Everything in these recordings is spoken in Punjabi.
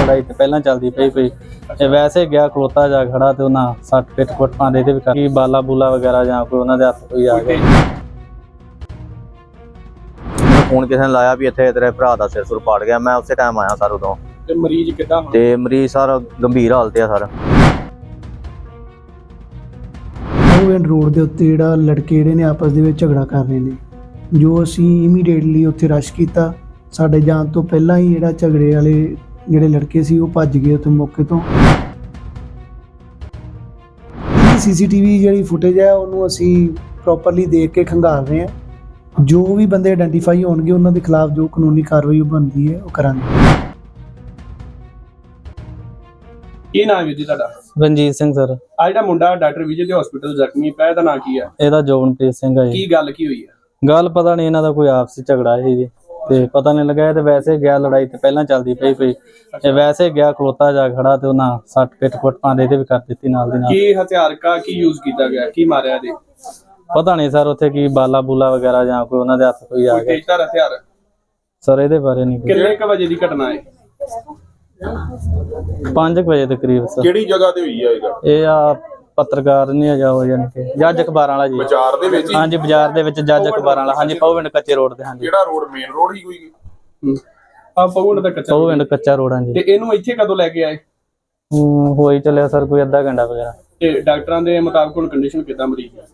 ਲੜਾਈ ਤੇ ਪਹਿਲਾਂ ਚੱਲਦੀ ਪਈ ਕੋਈ ਤੇ ਵੈਸੇ ਗਿਆ ਖਲੋਤਾ ਜਾ ਖੜਾ ਤੇ ਉਹਨਾਂ ਸੱਟ ਪਿੱਟ ਕੁੱਟ ਪਾਉਂਦੇ ਤੇ ਵੀ ਕੀ ਬਾਲਾ ਬੂਲਾ ਵਗੈਰਾ ਜਾਂ ਕੋਈ ਉਹਨਾਂ ਦੇ ਹੱਥ ਕੋਈ ਆ ਗਿਆ। ਫੋਨ ਕਿਸੇ ਨੇ ਲਾਇਆ ਵੀ ਇੱਥੇ ਤੇਰੇ ਭਰਾ ਦਾ ਸਿਰ ਸੁਰ ਪਾੜ ਗਿਆ। ਮੈਂ ਉਸੇ ਟਾਈਮ ਆਇਆ ਸਰ ਉਦੋਂ। ਤੇ ਮਰੀਜ਼ ਕਿੱਦਾਂ ਹੁਣ? ਤੇ ਮਰੀਜ਼ ਸਰ ਗੰਭੀਰ ਹਾਲਤ ਆ ਸਰ। ਐਂਡ ਰੋਡ ਦੇ ਉੱਤੇ ਜਿਹੜਾ ਲੜਕੇ ਜਿਹੜੇ ਨੇ ਆਪਸ ਦੇ ਵਿੱਚ ਝਗੜਾ ਕਰ ਰਹੇ ਨੇ, ਜੋ ਅਸੀਂ ਇਮੀਡੀਏਟਲੀ ਉੱਥੇ ਰਸ਼ ਕੀਤਾ। ਸਾਡੇ ਜਾਣ ਤੋਂ ਪਹਿਲਾਂ ਹੀ ਜਿਹੜਾ ਝਗੜੇ ਵਾਲੇ ਜਿਹੜੇ ਲੜਕੇ ਸੀ ਉਹ ਭੱਜ ਗਏ ਉੱਥੇ ਮੌਕੇ ਤੋਂ। ਸੀਸੀਟੀਵੀ ਜਿਹੜੀ ਫੁਟੇਜ ਹੈ ਉਹਨੂੰ ਅਸੀਂ ਪ੍ਰੋਪਰਲੀ ਦੇਖ ਕੇ ਖੰਗਾਲ ਰਹੇ ਹਾਂ। ਜੋ ਵੀ ਬੰਦੇ ਆਇਡੈਂਟੀਫਾਈ ਹੋਣਗੇ ਉਹਨਾਂ ਦੇ ਖਿਲਾਫ ਜੋ ਕਾਨੂੰਨੀ ਕਾਰਵਾਈ ਬਣਦੀ ਹੈ ਉਹ ਕਰਾਂਗੇ। ਕੀ ਨਾਮ ਹੈ ਜੀ ਤੁਹਾਡਾ? ਰਣਜੀਤ ਸਿੰਘ ਸਰ। ਆ ਜਿਹੜਾ ਮੁੰਡਾ ਡਾਕਟਰ ਵਿਜੇ ਦੇ ਹਸਪੀਟਲ ਜ਼ਖਮੀ ਪਿਆ, ਇਹਦਾ ਨਾਂ ਕੀ ਹੈ? ਇਹਦਾ ਜੋਬਨਪ੍ਰੀਤ ਸਿੰਘ ਹੈ ਜੀ। ਕੀ ਗੱਲ ਕੀ ਹੋਈ ਹੈ? ਗੱਲ ਪਤਾ ਨਹੀਂ, ਇਹਨਾਂ ਦਾ ਕੋਈ ਆਪਸੀ ਝਗੜਾ ਸੀ ਜੀ ਤੇ ਪਤਾ ਨਹੀਂ ਲੱਗਾ। ਇਹ ਤੇ ਵੈਸੇ ਗਿਆ ਲੜਾਈ ਤੇ ਪਹਿਲਾਂ ਚੱਲਦੀ ਪਈ ਕੋਈ ਤੇ ਵੈਸੇ ਗਿਆ ਖਲੋਤਾ ਜਾ ਖੜਾ ਤੇ ਉਹਨਾਂ ਸੱਟ ਪਿੱਟ ਕੁੱਟ ਪਾਉਂਦੇ ਤੇ ਵੀ ਕਰ ਦਿੱਤੀ ਨਾਲ ਦੀ ਨਾਲ। ਕੀ ਹਥਿਆਰ ਕੀ ਯੂਜ਼ ਕੀਤਾ ਗਿਆ? ਕੀ ਮਾਰਿਆ ਇਹਦੇ? ਪਤਾ ਨਹੀਂ ਸਰ ਉੱਥੇ ਕੀ ਬਾਲਾ ਬੂਲਾ ਵਗੈਰਾ ਜਾਂ ਕੋਈ ਉਹਨਾਂ ਦੇ ਹੱਥ ਕੋਈ ਆ ਕੋਈ ਗਿਆ। ਤੇਜ਼ਧਾਰ ਹਥਿਆਰ? ਸਰ ਇਹਦੇ ਬਾਰੇ ਨਹੀਂ। ਕਿੰਨੇ ਕ ਵਜੇ ਦੀ ਘਟਨਾ ਹੈ? 5 ਵਜੇ ਦੇ ਕਰੀਬ ਸਰ। ਕਿਹੜੀ ਜਗ੍ਹਾ ਤੇ ਹੋਈ ਆ ਇਹ ਆ ਪੱਤਰਕਾਰ ਨਹੀਂ ਹੈਗਾ ਉਹ ਯਾਨੀ ਕਿ ਜੱਜ ਅਖਬਾਰਾਂ ਵਾਲਾ ਜੀ। ਬਾਜ਼ਾਰ ਦੇ ਵਿੱਚ? ਹਾਂਜੀ ਬਾਜ਼ਾਰ ਦੇ ਵਿੱਚ ਜੱਜ ਅਖਬਾਰਾਂ ਵਾਲਾ। ਹਾਂਜੀ ਪਉਵਿੰਡ ਕੱਚੇ ਰੋਡ ਤੇ। ਹਾਂਜੀ ਕਿਹੜਾ ਰੋਡ? ਮੇਨ ਰੋਡ ਹੀ ਕੋਈ? ਆ ਪਉਵਿੰਡ ਦਾ ਕੱਚਾ? ਪਉਵਿੰਡ ਕੱਚਾ ਰੋਡ। ਹਾਂਜੀ। ਤੇ ਇਹਨੂੰ ਇੱਥੇ ਕਦੋਂ ਲੈ ਕੇ ਆਏ? ਹੋਈ ਚੱਲਿਆ ਸਰ ਕੋਈ ਅੱਧਾ ਘੰਟਾ ਵਗੈਰਾ। ਤੇ ਡਾਕਟਰਾਂ ਦੇ ਮੁਤਾਬਕ ਹੁਣ ਕੰਡੀਸ਼ਨ ਕਿੱਦਾਂ ਮਰੀਜ਼ ਦੀ?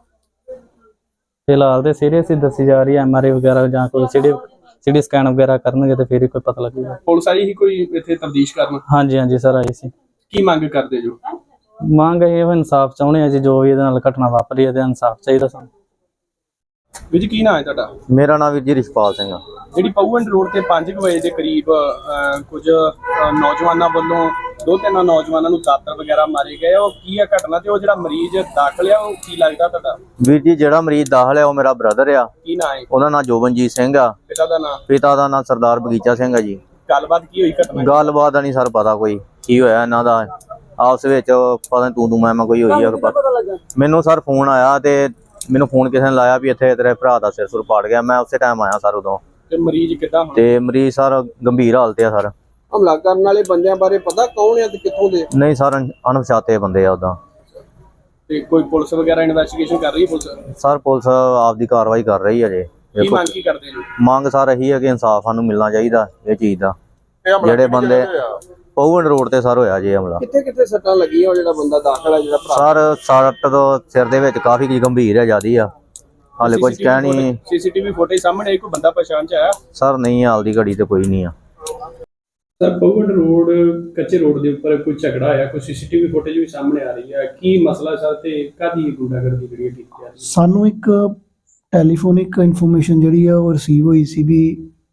ਫਿਲਹਾਲ ਤੇ ਸੀਰੀਅਸ ਹੀ ਦੱਸੀ ਜਾ ਰਹੀ ਹੈ। ਐਮਆਰਆਈ ਵਗੈਰਾ ਜਾਂ ਕੋਈ ਸਿਟੀ ਸਕੈਨ ਵਗੈਰਾ ਕਰਨਗੇ ਤੇ ਫਿਰ ਹੀ ਕੋਈ ਪਤਾ ਲੱਗੇਗਾ। ਪੁਲਿਸ ਆਈ ਹੀ ਕੋਈ ਇੱਥੇ ਤਫਤੀਸ਼ ਕਰਨ? ਹਾਂਜੀ ਹਾਂਜੀ ਸਰ ਆਈ ਸੀ। ਕੀ ਮੰਗ ਕਰਦੇ ਜੋ? ਮੰਗ ਇਹ ਇਨਸਾਫ ਚਾਹੁੰਦੇ ਆ ਜੀ, ਜੋ ਵੀ ਇਹਦੇ ਨਾਲ ਘਟਨਾ ਵਾਪਰੀ ਹੈ ਤੇ ਇਨਸਾਫ ਚਾਹੀਦਾ ਸਾਨੂੰ। ਵੀਰ ਜੀ ਕੀ ਨਾਂ ਹੈ ਤੁਹਾਡਾ? ਮੇਰਾ ਨਾਮ ਵੀਰ ਜੀ ਰਿਸ਼ਪਾਲ ਸਿੰਘ ਆ। ਜਿਹੜੀ ਪਉਵਿੰਡ ਰੋਡ ਤੇ 5 ਵਜੇ ਦੇ ਕਰੀਬ ਕੁਝ ਨੌਜਵਾਨਾਂ ਵੱਲੋਂ 2-3 ਨੌਜਵਾਨਾਂ ਨੂੰ ਦਾਤਰ ਵਗੈਰਾ ਮਾਰੇ ਗਏ, ਉਹ ਕੀ ਆ ਘਟਨਾ? ਤੇ ਉਹ ਜਿਹੜਾ ਮਰੀਜ਼ ਦਾਖਲ ਆ ਉਹ ਕੀ ਲੱਗਦਾ ਤੁਹਾਡਾ? ਵੀਰ ਜੀ ਜਿਹੜਾ ਮਰੀਜ਼ ਦਾਖਲ ਆ ਉਹ ਮੇਰਾ ਬ੍ਰਦਰ ਆ। ਕੀ ਨਾਂ ਹੈ? ਉਹਦਾ ਨਾਮ ਜੋਬਨਜੀਤ ਸਿੰਘ ਆ। ਪਿਤਾ ਦਾ ਨਾਂ? ਪਿਤਾ ਦਾ ਨਾਮ ਸਰਦਾਰ ਬਗੀਚਾ ਸਿੰਘ ਆ ਜੀ। ਗੱਲਬਾਤ ਕੀ ਹੋਈ ਘਟਨਾ? ਗੱਲਬਾਤ ਨਹੀਂ ਸਰ ਪਤਾ ਕੋਈ ਕੀ ਹੋਇਆ ਇਹਨਾਂ ਦਾ ਆਪਸ ਵਿੱਚ। ਪਤਾ ਨੀ ਤੂੰ ਮੈਂ ਕੋਈ ਹੋਈ ਆ। ਮੈਨੂੰ ਸਰ ਫੋਨ ਆਇਆ ਤੇ ਮੈਨੂੰ ਫੋਨ ਕਿਸੇ ਨੇ ਲਾਇਆ ਵੀ ਇੱਥੇ ਤੇਰੇ ਭਰਾ ਦਾ ਸਿਰ ਸੁਰ ਪਾੜ ਗਿਆ। ਮੈਂ ਉਸੇ ਟਾਈਮ ਆਇਆ ਸਰ ਉਦੋਂ। ਤੇ ਮਰੀਜ਼ ਕਿੱਦਾਂ ਹੁਣ? ਤੇ ਮਰੀਜ਼ ਸਰ ਗੰਭੀਰ ਹਾਲਤ ਆ ਸਰ। ਹਮਲਾ ਕਰਨ ਵਾਲੇ ਬੰਦਿਆਂ ਬਾਰੇ ਪਤਾ ਕੌਣ ਆ ਤੇ ਕਿੱਥੋਂ ਦੇ? ਨਹੀਂ ਸਰ ਅਣਪਛਾਤੇ ਬੰਦੇ ਆ ਉਦਾਂ। ਤੇ ਕੋਈ ਪੁਲਿਸ ਵਗੈਰਾ ਇਨਵੈਸਟੀਗੇਸ਼ਨ ਕਰ ਰਹੀ ਹੈ ਪੁਲਿਸ? ਸਰ ਪੁਲਿਸ ਆਪਦੀ ਕਾਰਵਾਈ ਕਰ ਰਹੀ ਹੈ ਜੇ। ਕੀ ਮੰਗ ਕੀ ਕਰਦੇ ਜੋ? ਮੰਗ ਸਰ ਇਹੀ ਹੈ ਕਿ ਇਨਸਾਫ ਸਾਨੂੰ ਮਿਲਣਾ ਚਾਹੀਦਾ ਇਹ ਚੀਜ਼ ਦਾ। ਜਿਹੜੇ ਬੰਦੇ ਪਉਵਿੰਡ ਰੋਡ ਤੇ ਸਰ ਹੋਇਆ ਜੇ ਹਮਲਾ। ਕਿੱਥੇ ਕਿੱਥੇ ਸੱਟਾਂ ਲੱਗੀਆਂ? ਉਹ ਜਿਹੜਾ ਬੰਦਾ ਦਾਖਲ ਹੈ ਜਿਹੜਾ ਭਰਾ? ਸਰ ਸੱਟ ਤੋਂ ਸਿਰ ਦੇ ਵਿੱਚ ਕਾਫੀ ਗੰਭੀਰ ਹੈ ਜਿਆਦੀ ਆ। ਹਾਲੇ ਕੁਝ ਕਹਿ ਨਹੀਂ। ਸੀਸੀਟੀਵੀ ਫੁਟੇਜ ਸਾਹਮਣੇ ਕੋਈ ਬੰਦਾ ਪਛਾਣ ਚ ਆਇਆ? ਸਰ ਨਹੀਂ, ਹਾਲ ਦੀ ਘੜੀ ਤੇ ਕੋਈ ਨਹੀਂ ਆ। ਸਰ ਪਉਵਿੰਡ ਰੋਡ ਕੱਚੇ ਰੋਡ ਦੇ ਉੱਪਰ ਕੋਈ ਝਗੜਾ ਆਇਆ, ਕੋਈ ਸੀਸੀਟੀਵੀ ਫੁਟੇਜ ਵੀ ਸਾਹਮਣੇ ਆ ਰਹੀ ਹੈ। ਕੀ ਮਸਲਾ ਸਰ ਤੇ ਕਾਹਦੀ ਗੁੰਡਾਗਰਦੀ ਜਿਹੜੀ ਕੀਤੀ ਜਾ ਰਹੀ ਹੈ? ਸਾਨੂੰ ਇੱਕ ਟੈਲੀਫੋਨਿਕ ਇਨਫੋਰਮੇਸ਼ਨ ਜਿਹੜੀ ਆ ਉਹ ਰਿਸੀਵ ਹੋਈ ਸੀ ਵੀ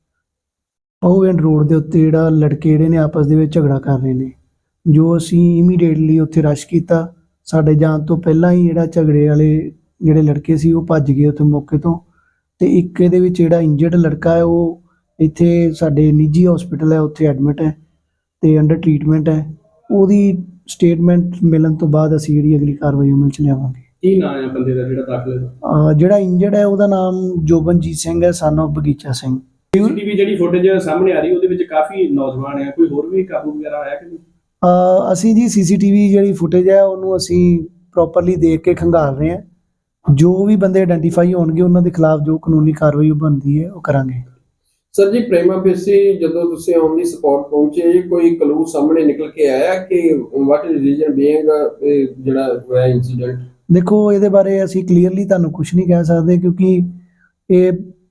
ਐਂਡ ਰੋਡ ਦੇ ਉੱਤੇ ਜਿਹੜਾ ਲੜਕੇ ਜਿਹੜੇ ਨੇ ਆਪਸ ਦੇ ਵਿੱਚ ਝਗੜਾ ਕਰ ਰਹੇ ਨੇ, ਜੋ ਅਸੀਂ ਇਮੀਡੀਏਟਲੀ ਉੱਥੇ ਰਸ਼ ਕੀਤਾ। ਸਾਡੇ ਜਾਣ ਤੋਂ ਪਹਿਲਾਂ ਹੀ ਜਿਹੜਾ ਝਗੜੇ ਵਾਲੇ ਜਿਹੜੇ ਲੜਕੇ ਸੀ ਉਹ ਭੱਜ ਗਏ ਉੱਥੇ ਮੌਕੇ ਤੋਂ। ਤੇ ਇੱਕ ਇਹਦੇ ਵਿੱਚ ਜਿਹੜਾ ਇੰਜਰਡ ਲੜਕਾ ਹੈ ਉਹ ਇੱਥੇ ਸਾਡੇ ਨਿੱਜੀ ਹਸਪੀਟਲ ਹੈ ਉੱਥੇ ਐਡਮਿਟ ਹੈ ਤੇ ਅੰਡਰ ਟ੍ਰੀਟਮੈਂਟ ਹੈ। ਉਹਦੀ ਸਟੇਟਮੈਂਟ ਮਿਲਣ ਤੋਂ ਬਾਅਦ ਅਸੀਂ ਜਿਹੜੀ ਅਗਲੀ ਕਾਰਵਾਈ ਅਮਲ ਚ ਲਿਆਵਾਂਗੇ। ਕੀ ਨਾਮ ਹੈ ਬੰਦੇ ਦਾ ਜਿਹੜਾ ਦਾਖਲ ਹੈ? ਜਿਹੜਾ ਇੰਜਰਡ ਹੈ ਉਹਦਾ ਨਾਮ ਜੋਬਨਜੀਤ ਸਿੰਘ ਹੈ, ਸਨ ਆਫ ਬਗੀਚਾ ਸਿੰਘ। ਸੀਸੀਟੀਵੀ ਜਿਹੜੀ ਫੁਟੇਜ ਸਾਹਮਣੇ ਆ ਰਹੀ ਉਹਦੇ ਵਿੱਚ ਕਾਫੀ ਨੌਜਵਾਨ ਹੈ, ਕੋਈ ਹੋਰ ਵੀ ਕਾਬੂ ਵਗੈਰਾ ਆਇਆ ਕਿ ਨਹੀਂ? ਅਸੀਂ ਜੀ ਸੀਸੀਟੀਵੀ ਜਿਹੜੀ ਫੁਟੇਜ ਹੈ ਉਹਨੂੰ ਅਸੀਂ ਪ੍ਰੋਪਰਲੀ ਦੇਖ ਕੇ ਖੰਗਾਲ ਰਹੇ ਹਾਂ। ਜੋ ਵੀ ਬੰਦੇ ਆਇਡੈਂਟੀਫਾਈ ਹੋਣਗੇ ਉਹਨਾਂ ਦੇ ਖਿਲਾਫ ਜੋ ਕਾਨੂੰਨੀ ਕਾਰਵਾਈ ਬਣਦੀ ਹੈ ਉਹ ਕਰਾਂਗੇ। ਸਰ ਜੀ ਪ੍रेमा ਫੇਸੀ ਜਦੋਂ ਤੁਸੀਂ ਔਨ ਦੀ ਸਪੌਟ ਪਹੁੰਚੇ, ਕੋਈ ਕਲੂ ਸਾਹਮਣੇ ਨਿਕਲ ਕੇ ਆਇਆ ਕਿ ਵਾਟ ਇਜ਼ ਰੀਜ਼ਨ ਬੀਇੰਗ ਜਿਹੜਾ ਹੋਇਆ ਇਨਸੀਡੈਂਟ? ਦੇਖੋ ਇਹਦੇ ਬਾਰੇ ਅਸੀਂ ਕਲੀਅਰਲੀ ਤੁਹਾਨੂੰ ਕੁਝ ਨਹੀਂ ਕਹਿ ਸਕਦੇ ਕਿਉਂਕਿ ਇਹ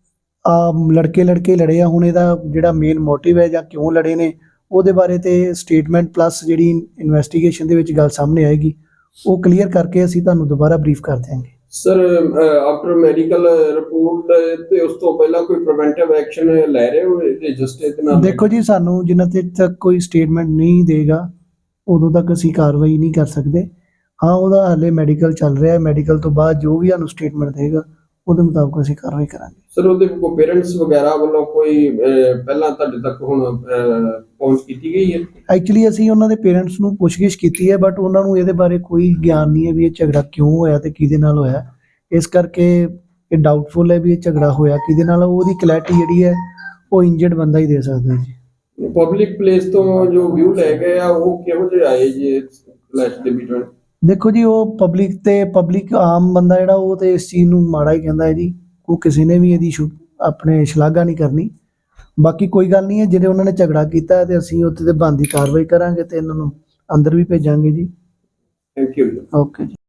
ਲੜਕੇ ਲੜੇ ਆ। ਹੁਣ ਇਹਦਾ ਜਿਹੜਾ ਮੇਨ ਮੋਟਿਵ ਹੈ ਜਾਂ ਕਿਉਂ ਲੜੇ ਨੇ ਉਹਦੇ ਬਾਰੇ ਤੇ ਸਟੇਟਮੈਂਟ ਪਲੱਸ ਜਿਹੜੀ ਇਨਵੈਸਟੀਗੇਸ਼ਨ ਦੇ ਵਿੱਚ ਗੱਲ ਸਾਹਮਣੇ ਆਏਗੀ ਉਹ ਕਲੀਅਰ ਕਰਕੇ ਅਸੀਂ ਤੁਹਾਨੂੰ ਦੁਬਾਰਾ ਬਰੀਫ ਕਰ ਦਿਆਂਗੇ। ਸਰ ਆਫਟਰ ਮੈਡੀਕਲ ਰਿਪੋਰਟ ਤੇ ਉਸ ਤੋਂ ਪਹਿਲਾਂ ਕੋਈ ਪ੍ਰੀਵੈਂਟਿਵ ਐਕਸ਼ਨ ਲੈ ਰਹੇ ਹੋ ਤੇ ਜਸਟਿਸ ਦੇ ਨਾਲ? ਦੇਖੋ ਜੀ ਸਾਨੂੰ ਜਿੰਨਾ ਚਿਰ ਤੱਕ ਕੋਈ ਸਟੇਟਮੈਂਟ ਨਹੀਂ ਦੇਗਾ ਉਦੋਂ ਤੱਕ ਅਸੀਂ ਕਾਰਵਾਈ ਨਹੀਂ ਕਰ ਸਕਦੇ। ਹਾਂ ਉਹਦਾ ਹਾਲੇ ਮੈਡੀਕਲ ਚੱਲ ਰਿਹਾ ਹੈ, ਮੈਡੀਕਲ ਤੋਂ ਬਾਅਦ ਜੋ ਵੀ ਸਾਨੂੰ ਸਟੇਟਮੈਂਟ ਦੇਗਾ ਉਹਦੇ ਮੁਤਾਬਕ ਅਸੀਂ ਕਾਰਵਾਈ ਕਰਾਂਗੇ। ਸਰ ਉਹਦੇ ਕੋਈ ਪੇਰੈਂਟਸ ਵਗੈਰਾ ਵੱਲੋਂ ਕੋਈ ਪਹਿਲਾਂ ਤੁਹਾਡੇ ਤੱਕ ਹੁਣ ਪਹੁੰਚ ਕੀਤੀ ਗਈ ਹੈ? ਐਕਚੁਅਲੀ ਅਸੀਂ ਉਹਨਾਂ ਦੇ ਪੇਰੈਂਟਸ ਨੂੰ ਪੁੱਛਗਿੱਛ ਕੀਤੀ ਹੈ ਬਟ ਉਹਨਾਂ ਨੂੰ ਇਹਦੇ ਬਾਰੇ ਕੋਈ ਗਿਆਨ ਨਹੀਂ ਹੈ ਵੀ ਇਹ ਝਗੜਾ ਕਿਉਂ ਹੋਇਆ ਤੇ ਕਿਹਦੇ ਨਾਲ ਹੋਇਆ। ਇਸ ਕਰਕੇ ਇਹ ਡਾਊਟਫੁਲ ਹੈ ਵੀ ਇਹ ਝਗੜਾ ਹੋਇਆ ਕਿਹਦੇ ਨਾਲ। ਉਹਦੀ ਕਲੈਰਿਟੀ ਜਿਹੜੀ ਹੈ ਉਹ ਇੰਜਰਡ ਬੰਦਾ ਹੀ ਦੇ ਸਕਦਾ ਜੀ। ਪਬਲਿਕ ਪਲੇਸ ਤੋਂ ਜੋ ਵਿਊ ਲੈ ਗਏ ਆ ਉਹ ਕਿਹੋ ਜਿਹੇ ਆਏ ਜੀ ਕਲੈਸ਼ ਦੇ ਵਿੱਚ? ਦੇਖੋ ਜੀ, ਉਹ ਪਬਲਿਕ ਆਮ ਬੰਦਾ ਜਿਹੜਾ ਉਹ ਤੇ ਇਸ ਚੀਜ਼ ਨੂੰ ਮਾੜਾ ਹੀ ਕਹਿੰਦਾ ਹੈ ਜੀ। ਉਹ ਕਿਸੇ ਨੇ ਵੀ ਇਹਦੀ ਆਪਣੇ ਸ਼ਲਾਘਾ ਨਹੀਂ ਕਰਨੀ। ਬਾਕੀ ਕੋਈ ਗੱਲ ਨਹੀਂ ਹੈ, ਜਿਹੜੇ ਉਹਨਾਂ ਨੇ ਝਗੜਾ ਕੀਤਾ ਹੈ ਤੇ ਅਸੀਂ ਉੱਥੇ ਤੇ ਬਣਦੀ ਕਾਰਵਾਈ ਕਰਾਂਗੇ ਤੇ ਇਹਨਾਂ ਨੂੰ ਅੰਦਰ ਵੀ ਭੇਜਾਂਗੇ ਜੀ। Thank you. ਓਕੇ ਜੀ।